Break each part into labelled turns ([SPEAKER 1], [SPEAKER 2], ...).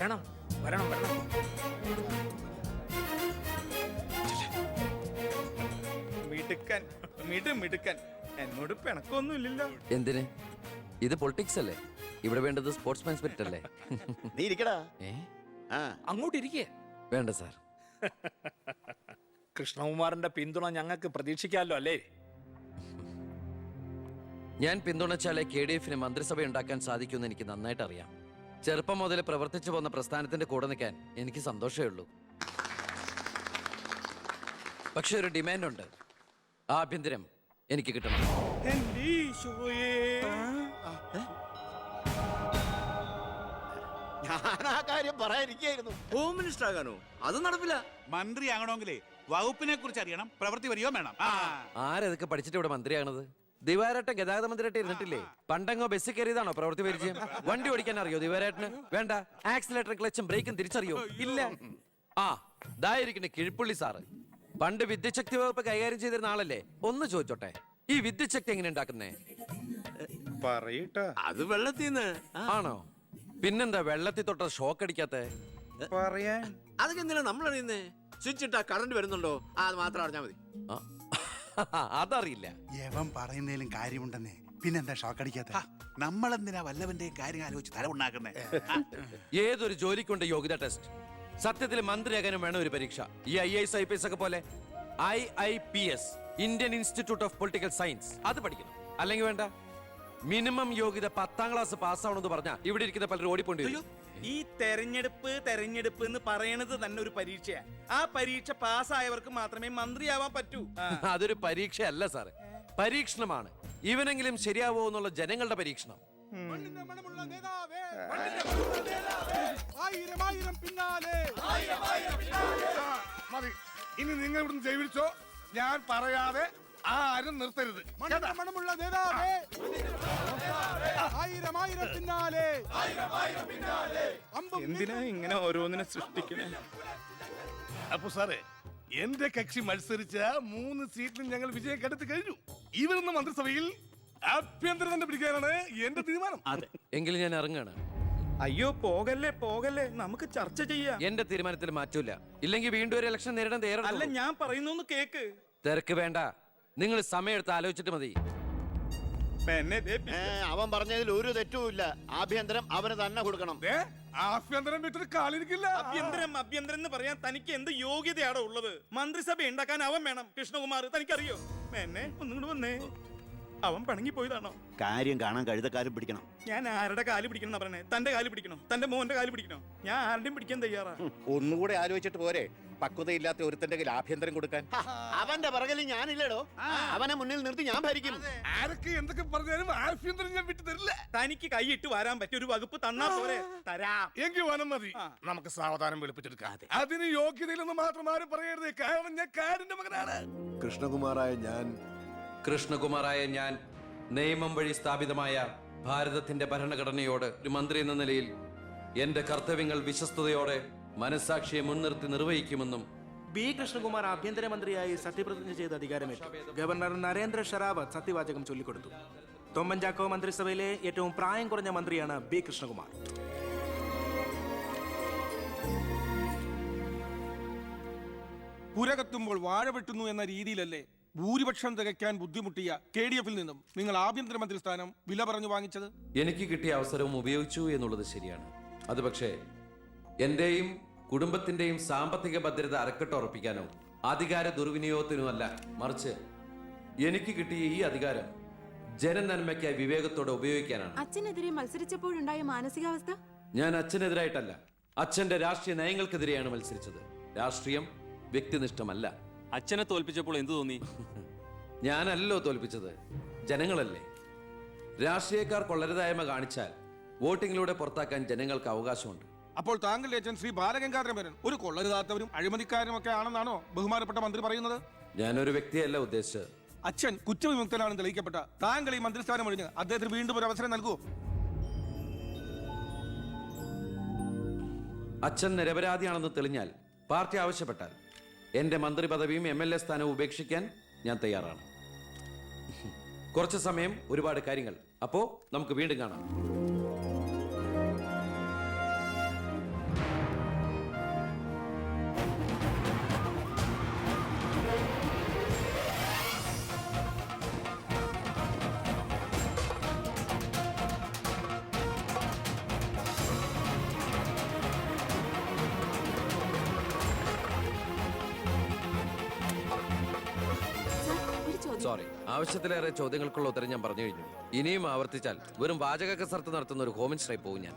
[SPEAKER 1] വരണം വരണം വരണം. മിടുക്കൻ മിടുക്കൻ. എന്നോട് പിണക്കൊന്നുമില്ലല്ലോ.
[SPEAKER 2] എന്തിന്? ഇത് പൊളിറ്റിക്സ് അല്ലേ? ഇവിടെ വേണ്ടത് സ്പോർട്സ്മാൻ സ്പിരിറ്റ് അല്ലേ?
[SPEAKER 3] നീ ഇരിക്കടാ.
[SPEAKER 1] അങ്ങോട്ട് ഇരിക്കേ.
[SPEAKER 2] വേണ്ട സാർ.
[SPEAKER 1] കൃഷ്ണകുമാറിന്റെ പിന്തുണ ഞങ്ങൾക്ക് പ്രതീക്ഷിക്കാമല്ലോ അല്ലേ?
[SPEAKER 2] ഞാൻ പിന്തുണച്ചാലേ KDF-ന് മന്ത്രിസഭ ഉണ്ടാക്കാൻ സാധിക്കുമെന്ന് എനിക്ക് നന്നായിട്ട് അറിയാം. ചെറുപ്പം മുതൽ പ്രവർത്തിച്ചു പോന്ന പ്രസ്ഥാനത്തിന്റെ കൂടെ നിൽക്കാൻ എനിക്ക് സന്തോഷമേ ഉള്ളൂ. പക്ഷെ ഒരു ഡിമാൻഡ് ഉണ്ട്. ആഭ്യന്തരം എനിക്ക് കിട്ടണം.
[SPEAKER 3] ഞാൻ ആ കാര്യം പറയാനിരിക്കായിരുന്നു.
[SPEAKER 4] Home minister ആകാനോ? അത് നടപ്പില്ല.
[SPEAKER 5] മന്ത്രി ആകണമെങ്കിലേ വകുപ്പിനെ കുറിച്ച് അറിയണം, പ്രവൃത്തി വരികയോ വേണം.
[SPEAKER 2] ആരതൊക്കെ പഠിച്ചിട്ട് ഇവിടെ മന്ത്രിയാണത്? ദിവാരേട്ടൻ ഗതാഗത മന്ത്രിയായിട്ട് ഇരുന്നിട്ടില്ലേ? പണ്ടങ്ങോ ബസ്സിൽ കയറിയതാണോ പ്രവൃത്തി പരിചയം? വണ്ടി ഓടിക്കാൻ അറിയോ ദിവാരേട്ടന്? വേണ്ട. ആക്സിലേറ്റർ ക്ലച്ചും ബ്രേക്കും തിരിച്ചറിയോ? ഇല്ല. ആ ഇതായിരിക്കണേ കിഴിപ്പുള്ളി സാറ്. പണ്ട് വിദ്യുച്ഛക്തി വകുപ്പ് കൈകാര്യം ചെയ്തിരുന്ന ആളല്ലേ? ഒന്ന് ചോദിച്ചോട്ടെ, ഈ വിദ്യുച്ഛക്തി എങ്ങനെ ഉണ്ടാക്കുന്നേ?
[SPEAKER 1] പറയട്ടാ.
[SPEAKER 4] അത് വെള്ളത്തിന്ന്.
[SPEAKER 2] ആണോ? പിന്നെന്താ വെള്ളത്തിൽ തൊട്ട ഷോക്ക് അടിക്കാത്ത?
[SPEAKER 1] പറയാൻ
[SPEAKER 4] അതൊക്കെ എന്തിനാ നമ്മൾ അറിയുന്നേ? സ്വിച്ച് ഇട്ടാ കറണ്ട് വരുന്നുണ്ടോ? അത് മാത്രം അറിഞ്ഞാ മതി.
[SPEAKER 2] അതറിയില്ല.
[SPEAKER 6] യവൻ പറയുന്നതിലും കാര്യമുണ്ടെന്നേ. പിന്നെന്താ ഷോക്ക് അടിക്കാത്ത?
[SPEAKER 5] നമ്മളെന്തിനാ വല്ലവന്റെയും കാര്യം ആലോചിച്ച് തല ഉണ്ടാക്കുന്നേ?
[SPEAKER 2] ഏതൊരു ജോലിക്കുണ്ട് യോഗ്യത ടെസ്റ്റ്. സത്യത്തിൽ മന്ത്രിയാകാനും വേണം ഒരു പരീക്ഷ. ഈ IAS IPS ഒക്കെ പോലെ IIPS, Indian institute of political science, അത് പഠിക്കണം. അല്ലെങ്കിൽ വേണ്ട. മിനിമം യോഗ്യത 10ാം ക്ലാസ് പാസ്സാവണമെന്ന് പറഞ്ഞാൽ ഇവിടെ ഇരിക്കുന്ന പലരും ഓടിപ്പോണ്ടി വരും.
[SPEAKER 1] ഈ തെരഞ്ഞെടുപ്പ് എന്ന് പറയണത് തന്നെ ഒരു പരീക്ഷയാണ്. ആ പരീക്ഷ പാസ്സായവർക്ക് മാത്രമേ മന്ത്രിയാവാൻ പറ്റൂ.
[SPEAKER 2] അതൊരു പരീക്ഷയല്ല സാറേ, പരീക്ഷണമാണ്. ഇവനെങ്കിലും ശരിയാവോ എന്നുള്ള ജനങ്ങളുടെ പരീക്ഷണം.
[SPEAKER 7] മതി, ഇനി നിങ്ങൾ ഇവിടുന്ന് ജൈവിച്ചോ. ഞാൻ പറയാതെ ആരും നിർത്തരുത്. മണമുള്ള നേതാവേ, ആയിരം ആയിരം പിന്നാലെ.
[SPEAKER 1] എന്തിനാ ഇങ്ങനെ ഓരോന്നിനെ സൃഷ്ടിക്കണേ?
[SPEAKER 7] അപ്പൊ സാറേ, എന്റെ കക്ഷി മത്സരിച്ച 3 സീറ്റിലും ഞങ്ങൾ വിജയം കണ്ടെത്തി കഴിഞ്ഞു. ഇവരുന്ന മന്ത്രിസഭയിൽ ആഭ്യന്തരം തന്നെ പിടിക്കാനാണ് എന്റെ തീരുമാനം.
[SPEAKER 2] എങ്കിലും ഞാൻ ഇറങ്ങാണ്.
[SPEAKER 1] അയ്യോ പോകല്ലേ, നമുക്ക് ചർച്ച ചെയ്യാം.
[SPEAKER 2] എന്റെ തീരുമാനത്തിൽ മാറ്റൂല. ഇല്ലെങ്കിൽ വീണ്ടും ഒരു ഇലക്ഷൻ നേരിടാൻ
[SPEAKER 1] അല്ല,
[SPEAKER 2] തയ്യാറല്ല.
[SPEAKER 1] ഞാൻ പറയുന്നു കേക്ക്.
[SPEAKER 2] തിരക്ക് വേണ്ട, നിങ്ങൾ സമയമെടുത്ത് ആലോചിച്ചിട്ട് മതി.
[SPEAKER 3] അവൻ പറഞ്ഞതിൽ ഒരു തെറ്റുമില്ല. ആഭ്യന്തരം അവന് തന്നെ കൊടുക്കണം.
[SPEAKER 7] ആഭ്യന്തരം വിട്ടിട്ട് കാലിരിക്കില്ല.
[SPEAKER 1] അഭ്യന്തരം എന്ന് പറയാൻ തനിക്ക് എന്ത് യോഗ്യതയാണോ ഉള്ളത്? മന്ത്രിസഭ ഉണ്ടാക്കാൻ അവൻ വേണം. കൃഷ്ണകുമാർ തനിക്കറിയോ? എന്നെ ഒന്നും വന്നേ. അവൻ പിണങ്ങി പോയതാണോ?
[SPEAKER 3] കാര്യം കാണാൻ കഴുതക്കാരും പിടിക്കണം.
[SPEAKER 1] ഞാൻ ആരുടെ കാല് പിടിക്കണം പറഞ്ഞേ? തന്റെ കാല് പിടിക്കണോ? തന്റെ മോന്റെ കാല് പിടിക്കണോ? ഞാൻ ആരുടെയും പിടിക്കാൻ തയ്യാറാ.
[SPEAKER 3] ഒന്നുകൂടെ ആലോചിച്ചിട്ട് പോരെ പക്വതയില്ലാത്ത ഒരുത്തന്റെ കയ്യിൽ ആഭ്യന്തരം കൊടുക്കാൻ. അവന്റെ പിറകിൽ ഞാനില്ലടോ. അവനെ മുന്നിൽ നിർത്തി ഞാൻ ഭരിക്കും.
[SPEAKER 7] ആരൊക്കെ എന്തൊക്കെ പറഞ്ഞാലും ആഭ്യന്തരം ഞാൻ വിട്ടു തരില്ല.
[SPEAKER 1] തനിക്ക് കൈയിട്ട് വരാൻ പറ്റിയ ഒരു വകുപ്പ് തന്നാ പോരെ? തരാം.
[SPEAKER 7] എങ്കിൽ വനം മതി. നമുക്ക് സാവധാനം വെളുപ്പിച്ചെടുക്കാം. അതിന് യോഗ്യതയിലൊന്നും മാത്രം ആരും പറയരുത്. കാരണം ഞാൻ കാടിന്റെ മകനാണ്.
[SPEAKER 2] കൃഷ്ണകുമാറായ ഞാൻ നിയമം വഴി സ്ഥാപിതമായ ഭാരതത്തിന്റെ ഭരണഘടനയോട് ഒരു മന്ത്രി എന്ന നിലയിൽ എന്റെ കർത്തവ്യങ്ങൾ വിശ്വസ്തയോടെ മനസാക്ഷിയെ മുൻനിർത്തി നിർവഹിക്കുമെന്നും
[SPEAKER 8] ബി കൃഷ്ണകുമാർ ആഭ്യന്തരമന്ത്രിയായി സത്യപ്രതിജ്ഞ ചെയ്ത് അധികാരമേറ്റു. ഗവർണർ നരേന്ദ്ര ഷെറാവത്ത് സത്യവാചകം ചൊല്ലിക്കൊടുത്തു. തൊമ്മൻചാക്കോ മന്ത്രിസഭയിലെ ഏറ്റവും പ്രായം കുറഞ്ഞ മന്ത്രിയാണ് ബി കൃഷ്ണകുമാർ.
[SPEAKER 7] പുരകത്തുമ്പോൾ വാഴ വെട്ടുന്നു എന്ന രീതിയിലല്ലേ ഭൂരിപക്ഷം തികയ്ക്കാൻ ബുദ്ധിമുട്ടിയ KDF-ൽ നിന്നും നിങ്ങൾ ആഭ്യന്തരമന്ത്രി സ്ഥാനം വില പറഞ്ഞു വാങ്ങിച്ചത്?
[SPEAKER 2] എനിക്ക് കിട്ടിയ അവസരവും ഉപയോഗിച്ചു എന്നുള്ളത് ശരിയാണ്. അത് പക്ഷേ എന്റെയും കുടുംബത്തിന്റെയും സാമ്പത്തിക ഭദ്രത അരക്കെട്ട് ഉറപ്പിക്കാനോ അധികാര ദുർവിനിയോഗത്തിനോ അല്ല, മറിച്ച് എനിക്ക് കിട്ടിയ ഈ അധികാരം ജനനന്മയ്ക്കായി വിവേകത്തോടെ ഉപയോഗിക്കാനാണ്.
[SPEAKER 9] അച്ഛനെതിരെ മത്സരിച്ചപ്പോഴുണ്ടായ മാനസികാവസ്ഥ?
[SPEAKER 2] ഞാൻ അച്ഛനെതിരായിട്ടല്ല, അച്ഛന്റെ രാഷ്ട്രീയ നയങ്ങൾക്കെതിരെയാണ് മത്സരിച്ചത്. രാഷ്ട്രീയം വ്യക്തിനിഷ്ഠമല്ല.
[SPEAKER 10] അച്ഛനെ തോൽപ്പിച്ചപ്പോൾ എന്തു തോന്നി?
[SPEAKER 2] ഞാനല്ലോ തോൽപ്പിച്ചത്, ജനങ്ങളല്ലേ. രാഷ്ട്രീയക്കാർ കൊള്ളരുതായ്മ കാണിച്ചാൽ വോട്ടിങ്ങിലൂടെ പുറത്താക്കാൻ ജനങ്ങൾക്ക് അവകാശമുണ്ട്.
[SPEAKER 7] അപ്പോൾ താങ്കളുടെ അച്ഛൻ ശ്രീ ബാലഗംഗാധരൻ ഒരു കൊള്ളരുതാത്തവരും അഴിമതിക്കാരും ഒക്കെ ആണെന്നാണോ ബഹുമാനപ്പെട്ട മന്ത്രി പറയുന്നത്?
[SPEAKER 2] ഞാനൊരു വ്യക്തിയല്ല ഉദ്ദേശിച്ചത്.
[SPEAKER 7] അച്ഛൻ കുറ്റവിമുക്തനാണെന്ന് തെളിയിക്കപ്പെട്ട താങ്കൾ ഈ മന്ത്രിസ്ഥാനം ഒഴിഞ്ഞ് അദ്ദേഹത്തിന് വീണ്ടും ഒരു അവസരം നൽകുമോ?
[SPEAKER 2] അച്ഛൻ നിരപരാധിയാണെന്ന് തെളിഞ്ഞാൽ പാർട്ടി ആവശ്യപ്പെട്ടാൽ എന്റെ മന്ത്രി പദവിയും MLA സ്ഥാനവും ഉപേക്ഷിക്കാൻ ഞാൻ തയ്യാറാണ്. കുറച്ച് സമയം, ഒരുപാട് കാര്യങ്ങൾ. അപ്പോ നമുക്ക് വീണ്ടും കാണാം. സോറി, ആവശ്യത്തിലേറെ ചോദ്യങ്ങൾക്കുള്ള ഉത്തരം ഞാൻ പറഞ്ഞു കഴിഞ്ഞു. ഇനിയും ആവർത്തിച്ചാൽ വെറും വാചക കസർത്ത് നടത്തുന്ന ഒരു ഹോമിൻസ്ട്രൈ പോവും ഞാൻ.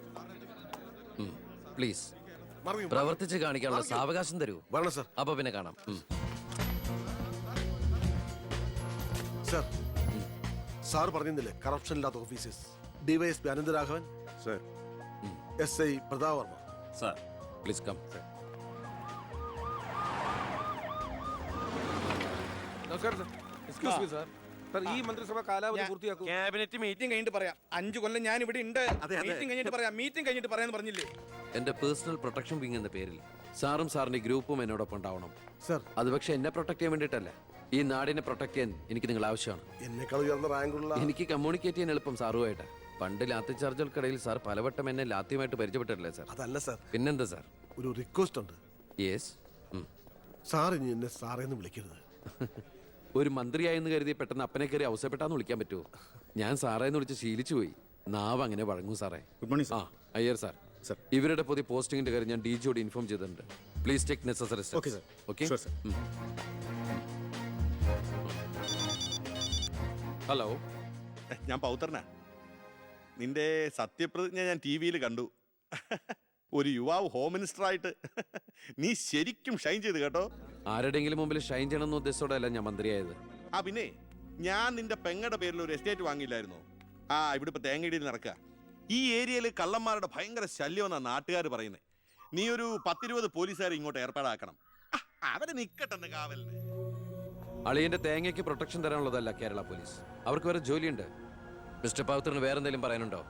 [SPEAKER 2] പ്ലീസ് പ്രവർത്തിച്ച് കാണിക്കാനുള്ള സാവകാശം തരൂ. അപ്പൊ പിന്നെ കാണാം.
[SPEAKER 7] സർ, സാർ പറഞ്ഞില്ലേ കറപ്ഷൻ ഇല്ലാത്ത officers. DYSP Anantharaghavan, S I Prathap Varma.
[SPEAKER 10] Sir
[SPEAKER 2] please come.
[SPEAKER 8] ഈ മന്ത്രിസഭ കാലാവധി പൂർത്തിയാക്കും.
[SPEAKER 1] ക്യാബിനറ്റ് മീറ്റിംഗ് കഴിഞ്ഞിട്ട് പറയാം. 5 കൊല്ലം ഞാൻ ഇവിടെ ഉണ്ട്. മീറ്റിംഗ് കഴിഞ്ഞിട്ട് പറയാം. മീറ്റിംഗ് കഴിഞ്ഞിട്ട് പറയാന്ന് പറഞ്ഞില്ലേ?
[SPEAKER 2] എന്റെ പേഴ്സണൽ പ്രൊട്ടക്ഷൻ വിങ് എന്ന പേരിൽ സാറും സാറിന്റെ ഗ്രൂപ്പും എന്നോടൊപ്പം ഉണ്ടാവണം.
[SPEAKER 7] സർ,
[SPEAKER 2] അത് പക്ഷെ എന്നെ പ്രൊട്ടക്ട് ചെയ്യാൻ വേണ്ടിയിട്ടല്ല, ഈ നാടിനെ പ്രൊട്ടക്ട് ചെയ്യാൻ എനിക്ക് നിങ്ങൾ ആവശ്യമാണ്.
[SPEAKER 7] എന്നെക്കാൾ ഉയർന്ന റാങ്കുള്ള
[SPEAKER 2] എനിക്ക് കമ്മ്യൂണിക്കേറ്റ് ചെയ്യാൻ എളുപ്പം സാറുമായിട്ട്. പണ്ട് ലാത്തി ചാർജുകൾക്കിടയിൽ സാർ പലവട്ടം എന്നെ ലാത്തിയുമായിട്ട് പരിചയപ്പെട്ടിട്ടില്ലേ സാർ?
[SPEAKER 7] അതല്ല സർ,
[SPEAKER 2] പിന്നെന്താ സാർ?
[SPEAKER 7] ഒരു റിക്വസ്റ്റ് ഉണ്ട്.
[SPEAKER 2] യെസ്.
[SPEAKER 7] സാർ ഇനി എന്നെ സാറേന്ന് വിളിക്കരുത്.
[SPEAKER 2] ഒരു മന്ത്രിയായെന്ന് കരുതി പെട്ടെന്ന് അപ്പനെ കയറി അവസരപ്പെട്ടാന്ന് വിളിക്കാൻ പറ്റുമോ? ഞാൻ സാറേന്ന് വിളിച്ച് ശീലിച്ചു പോയി. നാവ് അങ്ങനെ വഴങ്ങും സാറേ.
[SPEAKER 3] ഗുഡ് മോർണിംഗ്
[SPEAKER 2] ആ അയ്യർ സാർ, ഇവരുടെ പുതിയ പോസ്റ്റിംഗിന്റെ കാര്യം ഞാൻ DG യോട് ഇൻഫോം ചെയ്തിട്ടുണ്ട്. Please take necessary steps.
[SPEAKER 3] Okay, sir.
[SPEAKER 2] Okay.
[SPEAKER 3] Sure, sir.
[SPEAKER 2] Hello,
[SPEAKER 11] ഞാൻ പൗത്രനാ. നിന്റെ സത്യപ്രതിജ്ഞ ഞാൻ TV കണ്ടു. ഒരു യുവാവ് ഹോം മിനിസ്റ്റർ ആയിട്ട് നീ ശരിക്കും ഷൈൻ ചെയ്ത് കേട്ടോ.
[SPEAKER 2] ആരുടെയെങ്കിലും മുമ്പിൽ ഷൈൻ ചെയ്യണമെന്ന ഉദ്ദേശത്തോടെയല്ല ഞാൻ മന്ത്രിയായത്.
[SPEAKER 11] പിന്നെ ഞാൻ നിന്റെ പെങ്ങടെ പേരിൽ ഒരു എസ്റ്റേറ്റ് വാങ്ങിയില്ലായിരുന്നോ? ഇവിടെ ഇപ്പൊ തേങ്ങയിടിയിൽ നടക്കുക. ഈ ഏരിയയിൽ കള്ളന്മാരുടെ ഭയങ്കര ശല്യമെന്നാണ് നാട്ടുകാർ പറയുന്നത്. നീ ഒരു 10-20 പോലീസുകാരെ ഇങ്ങോട്ട് ഏർപ്പാടാക്കണം. അവരെ നിക്കട്ടെന്ന് കാവലിന്.
[SPEAKER 2] അളിയന്റെ തേങ്ങയ്ക്ക് പ്രൊട്ടക്ഷൻ തരാനുള്ളതല്ല കേരള പോലീസ്. അവർക്ക് വേറെ ജോലിയുണ്ട്. മിസ്റ്റർ പൗത്രന് വേറെ എന്തെങ്കിലും പറയാനുണ്ടോ?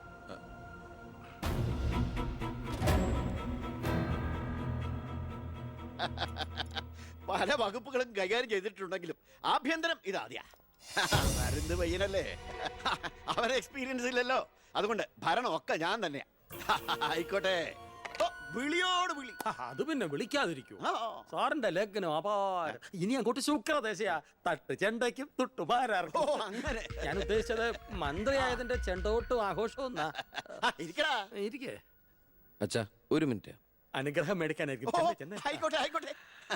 [SPEAKER 3] പല വകുപ്പുകളും കൈകാര്യം ചെയ്തിട്ടുണ്ടെങ്കിലും ആഭ്യന്തരം ഇതാദ്യ. മരുന്ന് പയ്യനല്ലേ, അവന് എക്സ്പീരിയൻസ് ഇല്ലല്ലോ. അതുകൊണ്ട് ഭരണമൊക്കെ ഞാൻ തന്നെയാ. ആയിക്കോട്ടെ, വിളിയോട് വിളി.
[SPEAKER 8] അത് പിന്നെ വിളിക്കാതിരിക്കൂ. സാറിന്റെ ലഗ്നം അപാരം. ഇനി അങ്ങോട്ട് ശുക്രദേശയാ. തട്ട് ചെണ്ടയ്ക്കും തുട്ടുപാരാർക്കും.
[SPEAKER 3] അങ്ങനെ
[SPEAKER 8] ഞാൻ ഉദ്ദേശിച്ചത് മന്ത്രിയായതിന്റെ ചെണ്ടോട്ടും ആഘോഷവും.
[SPEAKER 3] ഇരിക്കടാ.
[SPEAKER 8] ഇരിക്കേ,
[SPEAKER 2] അച്ഛാ ഒരു മിനിറ്റ്.
[SPEAKER 8] അനുഗ്രഹം മേടിക്കാനായിരിക്കും.
[SPEAKER 3] ആയിക്കോട്ടെ ആയിക്കോട്ടെ.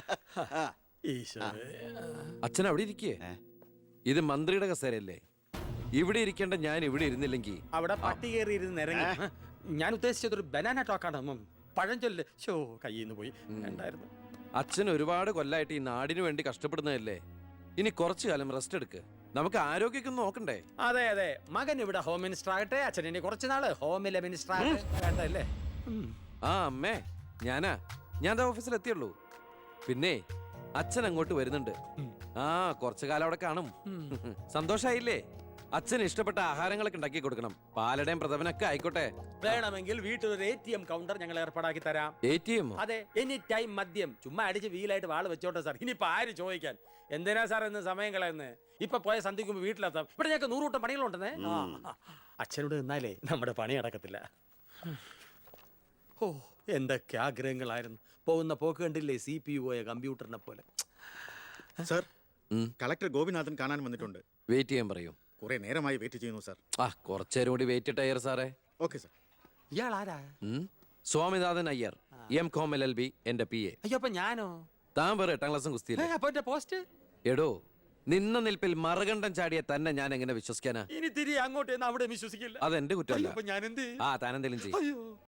[SPEAKER 2] അച്ഛൻ അവിടെ ഇരിക്കേ. ഇത് മന്ത്രിയുടെ കസേരയല്ലേ? ഇവിടെ ഇരിക്കേണ്ട ഞാൻ ഇവിടെ ഇരുന്നില്ലെങ്കിൽ
[SPEAKER 8] അവിടെ പട്ടി കയറിയിരുന്ന് ഇറങ്ങി. ഞാൻ ഉദ്ദേശിച്ചത് ഒരു ബനാന ടോക്കാണ്. പഴഞ്ചൊല്ല് കയ്യിൽ നിന്ന് പോയി. ഉണ്ടായിരുന്നു.
[SPEAKER 2] അച്ഛൻ ഒരുപാട് കൊല്ലായിട്ട് ഈ നാടിനു വേണ്ടി കഷ്ടപ്പെടുന്നതല്ലേ? ഇനി കുറച്ചു കാലം റെസ്റ്റ് എടുക്ക്. നമുക്ക് ആരോഗ്യമൊക്കെ നോക്കണ്ടേ?
[SPEAKER 8] അതെ അതെ, മകൻ ഇവിടെ ഹോം മിനിസ്റ്റർ ആകട്ടെ. അച്ഛൻ ഇനി കുറച്ചു നാള് ഹോമിലെ മിനിസ്റ്റർ ആകട്ടെ. വേണ്ടല്ലേ?
[SPEAKER 2] അമ്മേ, ഞാൻ ഓഫീസിൽ എത്തിയുള്ളൂ. പിന്നെ അച്ഛൻ അങ്ങോട്ട് വരുന്നുണ്ട്. കുറച്ചു കാലം അവിടെ കാണും. സന്തോഷായില്ലേ? അച്ഛന് ഇഷ്ടപ്പെട്ട ആഹാരങ്ങളൊക്കെ ഉണ്ടാക്കി കൊടുക്കണം. പാലടയും പ്രഥമനൊക്കെ ആയിക്കോട്ടെ.
[SPEAKER 8] വേണമെങ്കിൽ വീട്ടിലൊരു ATM കൗണ്ടർ ഞങ്ങൾ ഏർപ്പാടാക്കി തരാം.
[SPEAKER 2] ATM?
[SPEAKER 8] അതെ, എനി ടൈം മദ്യം. ചുമ്മാ അടിച്ച് വീലായിട്ട് വാള് വെച്ചോട്ടെ സാർ. ഇനിയിപ്പോ ആര് ചോദിക്കാൻ? എന്തിനാ സാർ എന്ന് സമയം കളയുന്നത്? ഇപ്പൊ പോയ സന്ധിക്കുമ്പോ വീട്ടിലെത്താം. ഇവിടെ ഞങ്ങൾക്ക് 100 കൂട്ടം പണികളുണ്ടെന്നേ. അച്ഛനോട് നിന്നാലേ നമ്മുടെ പണി നടക്കത്തില്ല. എന്തൊക്കെ ആഗ്രഹങ്ങളായിരുന്നു. പോകുന്ന പോക്ക് കണ്ടില്ലേ? CPU ആയ കമ്പ്യൂട്ടറിനെ പോലെ.
[SPEAKER 3] സർ, കളക്ടർ ഗോപിനാഥൻ കാണാൻ വന്നിട്ടുണ്ട്.
[SPEAKER 2] വെയിറ്റ് ചെയ്യാൻ പറയൂ.
[SPEAKER 3] കുറെ നേരമായി വെയിറ്റ് ചെയ്യുന്നു സർ.
[SPEAKER 2] കുറച്ചേരം കൂടി വെയിറ്റ് ഇട്ടയ്യർ സാറേ.
[SPEAKER 3] Okay sir.
[SPEAKER 8] ഇയാൾ ആരാ?
[SPEAKER 2] സ്വാമിനാഥൻ അയ്യർ, M.Com LLB, എന്റെ PA.
[SPEAKER 8] അയ്യോ, അപ്പൊ ഞാനോ?
[SPEAKER 2] താൻ വേറെ 8ാം ക്ലാസ്സും കുസ്തിയില്ല.
[SPEAKER 8] അപ്പൊ എന്റെ പോസ്റ്റ്?
[SPEAKER 2] എടോ, നിന്ന നിൽപ്പിൽ മറുകണ്ഠം ചാടിയ തന്നെ ഞാൻ എങ്ങനെ വിശ്വസിക്കാനാ?
[SPEAKER 8] ഇനി തിരികെ അങ്ങോട്ട് അവിടെ വിശ്വസിക്കില്ല.
[SPEAKER 2] അതെന്റെ കുറ്റമല്ല.
[SPEAKER 8] ഞാൻ എന്ത്?
[SPEAKER 2] താനെന്തെങ്കിലും ചെയ്യും.